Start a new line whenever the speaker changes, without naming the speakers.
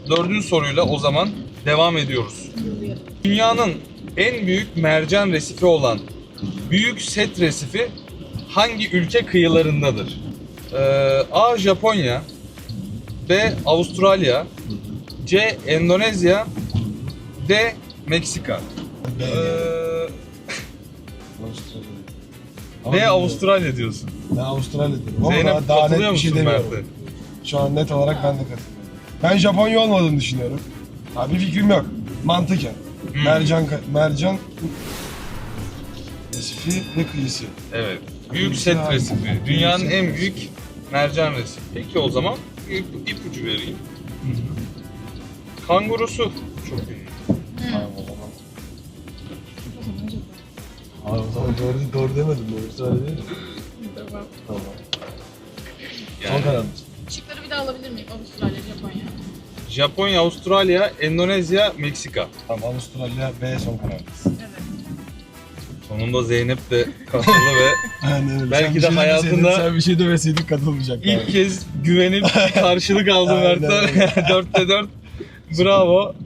Dördüncü soruyla o zaman devam ediyoruz. Dünyanın en büyük mercan resifi olan Büyük Set Resifi hangi ülke kıyılarındadır? A. Japonya, B. Avustralya, C. Endonezya, D. Meksika. D. Avustralya diyorsun.
Ben Avustralya diyorum ama
Zeynep
daha net
katılıyor
bir şey
musun
demiyorum.
Mert'e?
Şu an net olarak ben de katılıyorum. Ben Japonya olmadığını düşünüyorum. Abi bir fikrim yok. Mantıken. Mercan resifi ve kıyısı.
Evet. Büyük Set Resifi. Dünyanın en büyük mercan resifi. Peki o zaman ipucu vereyim. Kangurusu çok ünlü.
Tamam o zaman. Abi o zaman doğru demedim. Avustralya değil mi? Tamam. Son
Yani
kararımız.
Şıkları bir daha alabilir miyim? Avustralya, Japonya.
Japonya, Avustralya, Endonezya, Meksika.
Tamam Avustralya B son kararımız.
Evet.
Sonunda Zeynep de katıldı ve
Aynen öyle.
Belki
Sen
de
bir şey
hayatında-
demeseydin, sen bir şey demeseydin katılmayacak.
ilk kez güvenip bir karşılık aldım
Aynen
Mert'ten. 4'te 4. Bravo.